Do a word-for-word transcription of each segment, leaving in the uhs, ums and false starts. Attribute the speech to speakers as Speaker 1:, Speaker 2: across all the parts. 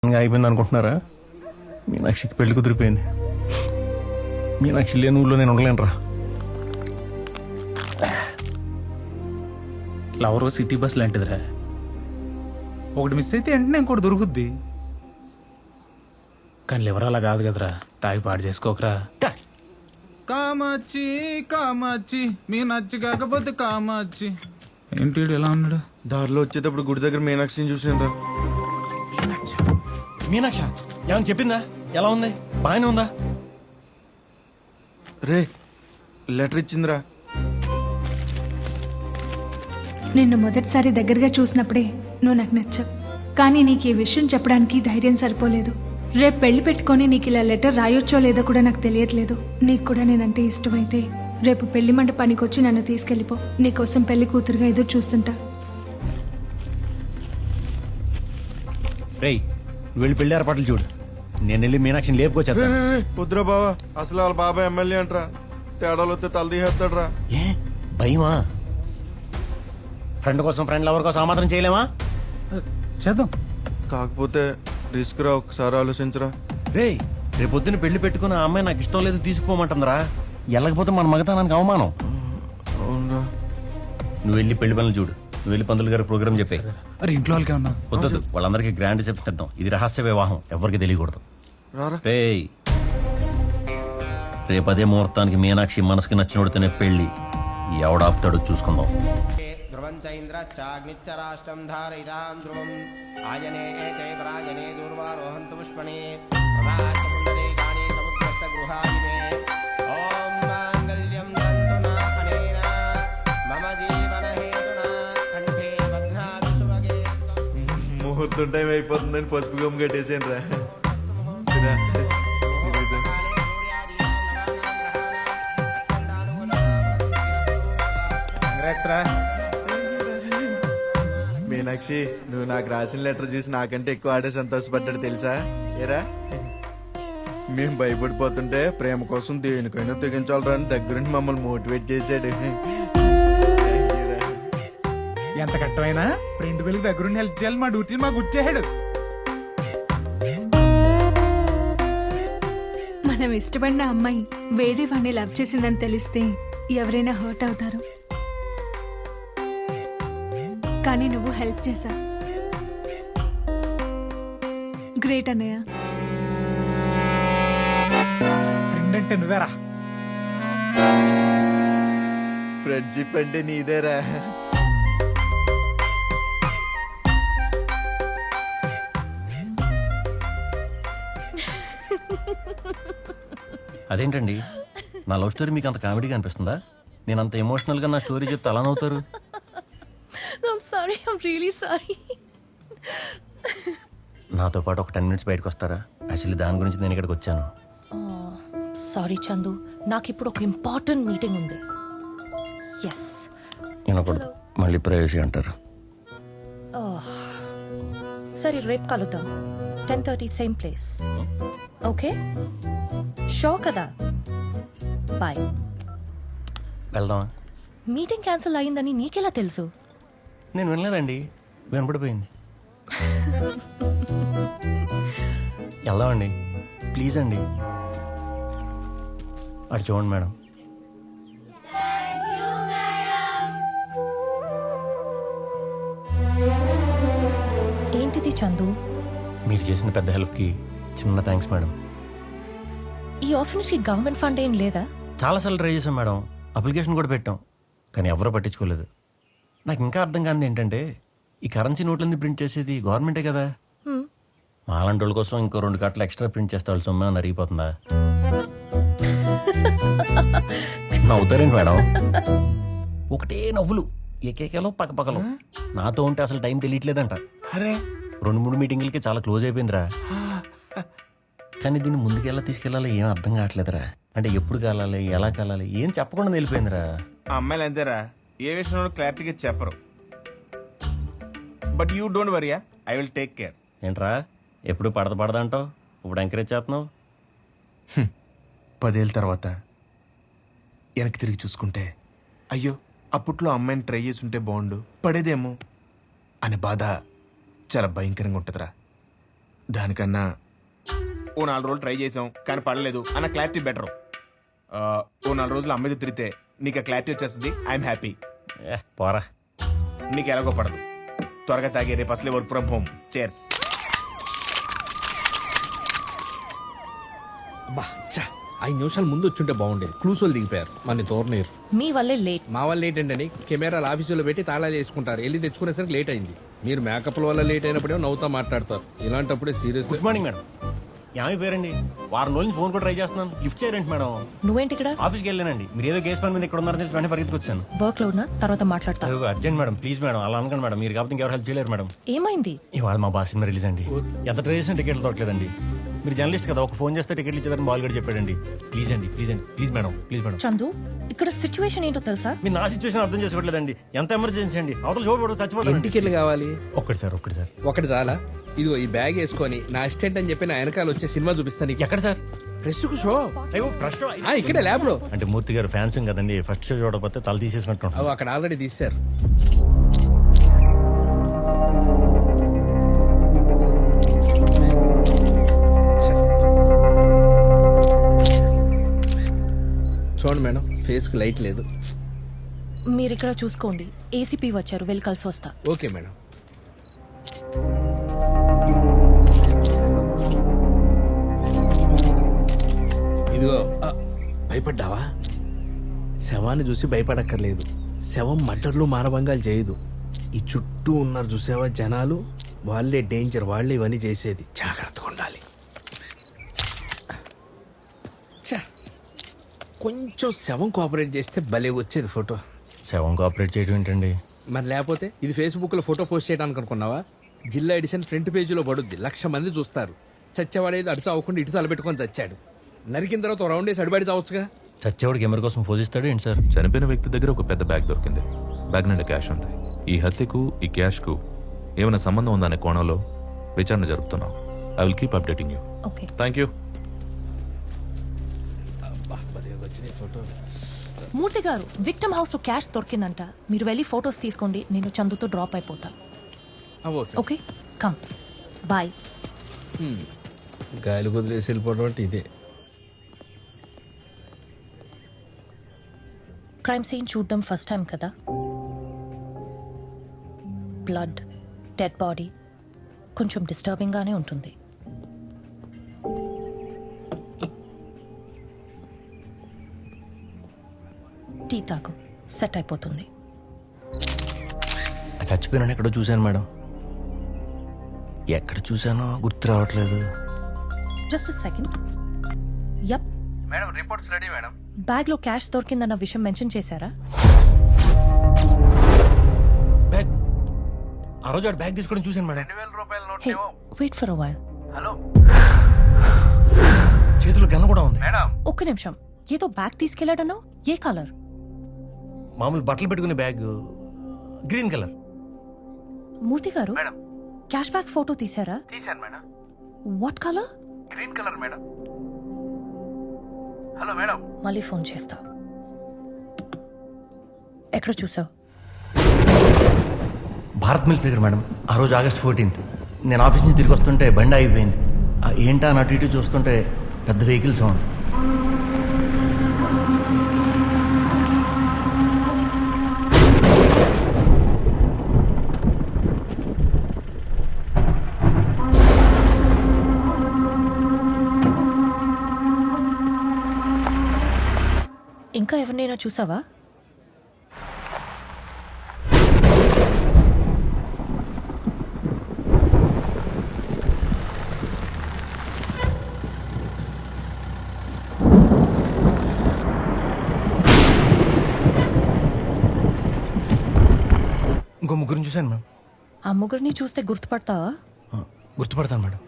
Speaker 1: అయిపోయింది అనుకుంటున్నారా? మీనాక్షికి పెళ్లి కుదిరిపోయింది. మీనాక్షి లేని ఊళ్ళో నేను ఉండలేనురా.
Speaker 2: లవర్ సిటీ బస్ లాంటిదిరా, ఒకటి మిస్ అయితే వెంటనే ఇంకోటి దొరుకుద్ది. కానీ లివర్ అలా కాదు కదరా, తాగి పాడు చేసుకోకరా. కామాచి కామాచి మీ నచ్చి కాకపోతే కామాచి. ఏంటి వీడు ఎలా ఉన్నాడు?
Speaker 3: దారిలో వచ్చేటప్పుడు గుడి దగ్గర మీనాక్షిని చూసాను రా.
Speaker 1: మీనాక్ష ఏమని చెప్పిందా? ఎలా ఉంది? బాగానే ఉందా?
Speaker 3: రే లెటర్ ఇచ్చిందిరా.
Speaker 4: నిన్ను మొదటిసారి దగ్గరగా చూసినప్పుడే నువ్వు నాకు నచ్చావు. కానీ నీకు ఈ విషయం చెప్పడానికి ధైర్యం సరిపోలేదు. రేపు పెళ్లి పెట్టుకొని నీకు ఇలా లెటర్ రాయొచ్చో లేదో కూడా నాకు తెలియట్లేదు. నీకు కూడా నేనంటే ఇష్టమైతే రేపు పెళ్లి మంట పనికొచ్చి నన్ను తీసుకెళ్ళిపో. నీకోసం పెళ్లి కూతురుగా ఎదురు చూస్తుంటా.
Speaker 1: రేయ్ నువ్వు వెళ్ళి పెళ్లి ఏర్పాట్లు చూడు, నేను వెళ్ళి మీనాక్షిని లేపుకొచ్చా.
Speaker 3: వద్దురా బావా, అసలు వాళ్ళ బాబాయ్ ఎమ్మెల్యే అంటరా. తేడాలు వస్తే తల తీసేస్తాడరా.
Speaker 1: ఏ భయమా? ఫ్రెండ్ కోసం ఫ్రెండ్ లవర్ కోసం ఆమాత్రం చేయలేమా?
Speaker 2: చేద్దాం.
Speaker 3: కాకపోతే రిస్క్ రా, ఒకసారి ఆలోచించరా.
Speaker 1: రేయ్ రేపు పొద్దున్న పెళ్లి పెట్టుకుని ఆ అమ్మాయి నాకు ఇష్టం లేదు తీసుకుపోమంటుందిరా. వెళ్ళకపోతే మన మగతానానికి అవమానం.
Speaker 3: అవునరా.
Speaker 1: నువ్వు వెళ్ళి పెళ్లి పనులు చూడు, నువ్వు వెళ్ళి పంతులు గారి ప్రోగ్రామ్ చెప్పే.
Speaker 2: అరే ఇంట్లో వాళ్ళకి ఉన్నా
Speaker 1: వద్దొద్దు, వాళ్ళందరికీ గ్రాండ్ రిసెప్షన్ ఇద్దాం. ఇది రహస్య వివాహం, ఎవరికి తెలియకూడదు.
Speaker 3: రారా.
Speaker 1: రేయ్ రేపు అదే ముహూర్తానికి మీనాక్షి మనసుకి నచ్చినోడితేనే పెళ్లి. ఎవడాపుతాడో చూసుకుందాం.
Speaker 5: ధ్రువం చైంద్ర చాగ్నిచ్చరాష్టం ధారయితాం ధ్రువం ఆయనే ఏతే పరాయనే దూర్వారోహంతు పుష్పణే ప్రదాచపుండరీకాని సముద్రస్య గృహాయినే ఓం మాంగళ్యం తంతునా అనేన మమ జీవన హేతునా కంఠే బధ్నామి సుభగే.
Speaker 3: ముహూర్తం టైం అయిపోతుందని పసుపు గమ్ కట్టేసాను రా. మీనాక్షి, నువ్వు నాకు రాసిన లెటర్ చూసి నాకంటే ఎక్కువ ఆడే సంతోషపడ్డాడు తెలుసా? ఏరా మేము భయపడిపోతుంటే ప్రేమ కోసం దేనికైనా తెగించాలరా అని దగ్గరుండి మమ్మల్ని మోటివేట్ చేశాడు.
Speaker 2: ఎంత కట్టమైనా ఫ్రెండ్ పెళ్లికి దగ్గరుండి హెల్ప్ చేయాలి, మా డ్యూటీని మాకు గుర్చేసాడు.
Speaker 4: మనం ఇష్టపడిన అమ్మాయి వేరే వాడిని లవ్ చేసిందని తెలిస్తే ఎవరైనా హర్ట్ అవుతారు. కానీ నువ్వు హెల్ప్ చేశా. గ్రేట్ అన్నయ్య.
Speaker 2: ఫ్రెండ్ అంటే నువ్వేరా.
Speaker 3: ఫ్రెండ్షిప్ అంటే నీదేరా.
Speaker 1: అదేంటండి నా లవ్ స్టోరీ మీకు అంత కామెడీగా అనిపిస్తుందా? నేను అంత ఎమోషనల్గా నా స్టోరీ చెప్తే అలా నవ్వుతారు.
Speaker 6: I'm sorry, I'm really sorry.
Speaker 1: నాతో పాటు ఒక టెన్ మినిట్స్ బయటకు వస్తారా? యాక్చువల్లీ దాని గురించి నేను ఇక్కడికి వచ్చాను.
Speaker 6: సారీ చందు, నాకు ఇప్పుడు ఒక ఇంపార్టెంట్ మీటింగ్ ఉంది. ఎస్
Speaker 1: వినకూడదు, మళ్ళీ ప్రైవసీ అంటారు.
Speaker 6: సరే రేపు కలుద్దాం, ten thirty same place. Okay show కదా, బాయ్.
Speaker 1: వెళ్దామా?
Speaker 6: మీటింగ్ క్యాన్సిల్ అయిందని నీకెలా తెలుసు?
Speaker 1: నేను వినలేదండి, వినపడిపోయింది. వెళ్దామండి ప్లీజ్ అండి. అటు చూడండి మేడం.
Speaker 6: ఏంటిది చందు?
Speaker 1: మీరు చేసిన పెద్ద హెల్ప్కి చిన్న థ్యాంక్స్ మేడం.
Speaker 6: ఈ ఆఫీస్కి గవర్నమెంట్ ఫండ్ ఏం లేదా?
Speaker 1: చాలాసార్లు ట్రై చేశాం మేడం, అప్లికేషన్ కూడా పెట్టాం, కానీ ఎవరూ పట్టించుకోలేదు. నాకు ఇంకా అర్థం కానిది ఏంటంటే, ఈ కరెన్సీ నోట్లన్నీ ప్రింట్ చేసేది గవర్నమెంటే కదా. మాలాంటి వాళ్ళ కోసం ఇంకో రెండు కట్టలు ఎక్స్ట్రా ప్రింట్ చేస్తే వాళ్ళు సొమ్మే నరిగిపోతుందా? నవ్వుతారేంటి మేడం? ఒకటే నవ్వులు, ఏకేకేలో పక్కపక్కలో. నాతో ఉంటే అసలు టైం తెలియట్లేదంట.
Speaker 2: అరే
Speaker 1: రెండు మూడు మీటింగులకి చాలా క్లోజ్ అయిపోయిందిరా. కానీ దీన్ని ముందుకెలా తీసుకెళ్ళాలో ఏం అర్థం కావట్లేదురా. అంటే ఎప్పుడు కాలాలి, ఎలా కాలాలి, ఏం చెప్పకుండా వెళ్ళిపోయిందిరా.
Speaker 7: ఆ అమ్మాయిలు అంతేరా, ఏ విషయంలో క్లారిటీగా చెప్పరు. But you don't worry, I will take care.
Speaker 1: ఏంట్రా ఎప్పుడు పడద పడదంటావు, ఇప్పుడు ఎంకరేజ్ చేస్తున్నావు?
Speaker 7: పదేళ్ళ తర్వాత వెనక్కి తిరిగి చూసుకుంటే అయ్యో అప్పట్లో అమ్మాయిని ట్రై చేసి ఉంటే బాగుండు, పడేదేమో అనే బాధ చాలా భయంకరంగా ఉంటుందిరా. దానికన్నా ఓ నాలుగు రోజులు ట్రై చేసాం కానీ పడలేదు అన్న క్లారిటీ బెటర్. ఓ నాలుగు రోజులు అమ్మాయితో తిరిగితే నీకు ఆ క్లారిటీ వచ్చేస్తుంది. I'm happy.
Speaker 1: ఏ పోరా.
Speaker 7: నీకు ఎలాగో పడదు. త్వరగా తాగే రేపు అసలే వర్క్ ఫ్రమ్ హోమ్. చేర్స్.
Speaker 8: బా చా ఐదు నిమిషాలు ముందు వచ్చుంటే బాగుండేది. క్లూస్ వాళ్ళు దిగిపోయారు మన తోరనీరు.
Speaker 6: మీ వల్లే లేట్.
Speaker 8: మా వాళ్ళు లేట్ ఏంటండి, కెమెరాలు ఆఫీసులో పెట్టి తాళాలు వేసుకుంటారు, వెళ్ళి తెచ్చుకునేసరికి లేట్ అయింది. మీరు మేకప్ల వల్ల లేట్ అయినప్పుడే నవ్వుతా మాట్లాడతారు, ఇలాంటప్పుడే సీరియస్.
Speaker 1: Good morning madam. ఏమైపోయారండి? వారం రోజులు ఫోన్ కూడా ట్రై చేస్తున్నాను, లిఫ్ట్ చేయరండి మేడం.
Speaker 6: నువ్వేంటి ఇక్కడ?
Speaker 1: ఆఫీస్కి వెళ్ళానండి. మీరు ఏదో కేసు పని మీద ఇక్కడ ఉన్నారని తెలిసి వెంటనే పరిగెత్తుకొచ్చాను.
Speaker 6: వర్క్ లో ఉన్నా, తర్వాత మాట్లాడతా.
Speaker 1: అయ్యో, అర్జెంట్ మేడం, ప్లీజ్ మేడం, అలా అనకండి మేడం. మీరు కాబట్టి ఇంకెవరు హెల్ప్ చేయలేరు మేడం.
Speaker 6: ఏమైంది?
Speaker 1: ఇవాళ మా బాస్ సినిమా రిలీజ్ అండి. ఎంత ట్రై చేసినా టికెట్లు దొరకలేదండి. మీరు జర్నలిస్ట్ కదా, ఒక ఫోన్ చేస్తే టికెట్లు ఇచ్చేదని బాల్ కూడా చెప్పాడండి. ప్లీజ్ అండి, ప్లీజ్ అండి, please madam, please madam.
Speaker 6: Chandu, ఇక్కడ సిచ్యువేషన్ ఏంటో తెలుసా?
Speaker 1: మీరు నా సిచ్యువేషన్ అర్థం చేసుకోవట్లేదండి. ఎంత ఎమర్జెన్సీ అండి, అవతల చూడబడు చచ్చిపోతాను.
Speaker 8: ఎన్ని టికెట్లు కావాలి?
Speaker 1: ఒక్కటి సార్, ఒక్కటి సార్.
Speaker 8: ఒకటి చాలా. ఇదిగో ఈ బ్యాగ్ వేసుకొని నా అసిస్టెంట్ అని చెప్పి నా వెనకాల వచ్చే సినిమా చూపిస్తాను.
Speaker 1: ఎక్కడ సార్?
Speaker 8: ప్రెస్ కు షో.
Speaker 1: అయ్యో ప్రశ్న.
Speaker 8: ఆ, ఇక్కడే ల్యాబ్ లో.
Speaker 1: అంటే మూర్తి గారు ఫ్యాన్స్ కదండి, ఫస్ట్ షో చూడకపోతే తల తీసేసినట్టు ఉంటుంది.
Speaker 8: అవి అక్కడ ఆల్రెడీ తీశారు. చూడండి మేడం, ఫేస్ కు లైట్ లేదు.
Speaker 6: మీరు ఇక్కడ చూసుకోండి. ఏసీపీ వచ్చారు, వెళ్ళి కలిసి వస్తా.
Speaker 8: Okay madam. ఇదిగో ఆ, భయపడ్డావా? శవాన్ని చూసి భయపడక్కర్లేదు. శవం మటర్లు మానభంగాలు చేయదు. ఈ చుట్టూ ఉన్నారు చూసావా జనాలు, వాళ్ళే డేంజర్, వాళ్ళే ఇవన్నీ చేసేది. జాగ్రత్తగా ఉండాలి. ఛ, కొంచెం శవం కోఆపరేట్ చేస్తే భలే వచ్చేది ఫోటో.
Speaker 1: శవం కోఆపరేట్ చేయడం ఏంటండి?
Speaker 8: మరి లేకపోతే ఇది ఫేస్బుక్ లో ఫోటో పోస్ట్ చేయడానికి అనుకున్నావా? జిల్లా ఎడిషన్ ఫ్రంట్ పేజీలో పడుద్ది, లక్ష మంది చూస్తారు. చచ్చేవాడేది అడిచి అవ్వకుండా ఇటు తలపెట్టుకొని చచ్చాడు. నరికిన తర్వాత రౌండ్ వేసి అడిబడి చావచ్చుగా.
Speaker 1: చచ్చేవాడికి కెమెరా కోసం పోజిస్తాడు ఏంటి సార్?
Speaker 9: చనిపోయిన వ్యక్తి దగ్గర ఒక పెద్ద బ్యాగ్ దొరికింది. బ్యాగ్ నిండా క్యాష్ ఉంది. ఈ హత్యకు ఈ క్యాష్కు ఏమైనా సంబంధం ఉందనే కోణంలో విచారణ జరుపుతున్నాం. I will keep updating you.
Speaker 6: Okay.
Speaker 9: Thank you.
Speaker 6: Murthy గారు, విక్టమ్ హౌస్ లో క్యాష్ దొరికిందంట. మీరు వెళ్ళి ఫొటోస్ తీసుకోండి, నేను చందుతో డ్రాప్ అయిపోతా.
Speaker 8: ఓకే.
Speaker 6: Okay, come. బాయ్.
Speaker 8: గాయలు కుదిరేసి వెళ్ళిపోవడం అంటే ఇదే.
Speaker 6: క్రైమ్ సీన్ చూడడం ఫస్ట్ టైం కదా. బ్లడ్, డెడ్ బాడీ, కొంచెం డిస్టర్బింగ్ గానే ఉంటుంది. టీ తాగు, సెట్ అయిపోతుంది.
Speaker 1: చచ్చిపోయినా ఎక్కడో చూశాను మేడం. ఎక్కడ చూశానో గుర్తు రావట్లేదు.
Speaker 6: Just second. Yup
Speaker 2: madam, reports ready madam.
Speaker 6: Bag లో క్యాష్ దొరికిందన్న విషయం మెన్షన్ చేశారా?
Speaker 1: బ్యాగ్ ఆ రోజు ఆడు బ్యాగ్ తీసుకోవడం చూశాను మేడం.
Speaker 2: రెండు వేల రూపాయల note
Speaker 6: hey, wait for a while.
Speaker 2: Hello
Speaker 1: చేతిలో గన్న కూడా ఉంది
Speaker 2: మేడం.
Speaker 6: ఒక్క నిమిషం. ఏదో బ్యాగ్ తీసుకెళ్లాడన్నావు, ఏ కలర్?
Speaker 1: మామూలు బట్టలు పెట్టుకునే బ్యాగ్, గ్రీన్ కలర్.
Speaker 6: మూర్తి గారు,
Speaker 2: మేడం,
Speaker 6: క్యాష్ బ్యాగ్ ఫోటో తీసారా?
Speaker 2: తీశాను madam.
Speaker 6: What colour?
Speaker 2: Green colour madam. Hello madam.
Speaker 6: మళ్ళీ ఫోన్ చేస్తా. ఎక్కడ చూసావు?
Speaker 1: భారత్ మిల్స్ దగ్గర మేడం. ఆ రోజు ఆగస్ట్ ఫోర్టీన్త్ నేను ఆఫీస్ నుంచి తిరిగి వస్తుంటే బండి అయిపోయింది. ఏంటా అని అటు ఇటు చూస్తుంటే పెద్ద వెహికల్ సౌండ్.
Speaker 6: ఇంకా ఎవరినైనా చూసావా?
Speaker 1: ఇంకో ముగ్గురిని చూశాను మేడం.
Speaker 6: ఆ ముగ్గురిని చూస్తే గుర్తుపడతావా?
Speaker 1: ఆ, గుర్తుపడతాను మేడం.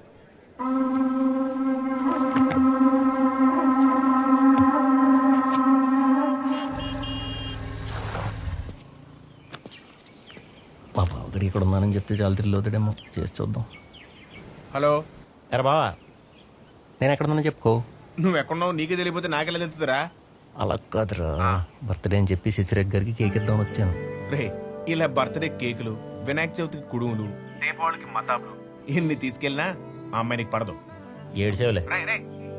Speaker 1: మా బావగడి ఇక్కడ ఉన్నానని చెప్తే చాలా తిరిగి అవుతాడేమో, చేసి చూద్దాం.
Speaker 7: హలో.
Speaker 1: ఎరా బావా, నేను ఎక్కడ ఉన్నా చెప్పుకో.
Speaker 7: నువ్వు ఎక్కడున్నావు నీకే తెలియపోతే నాకెలా తెలుతుందిరా?
Speaker 1: అలా కాదురా, బర్త్డే అని చెప్పి శశిరేఖ్ గారికి కేక్ ఇద్దామని వచ్చాను.
Speaker 7: రే, ఇలా బర్త్డే కేకులు, వినాయక చవితికి కుడుములు, దీపావళికి మతాబులు, ఇన్ని తీసుకెళ్ళినా ఆ అమ్మాయి నీకు పడదు.
Speaker 1: ఏడు సేవలే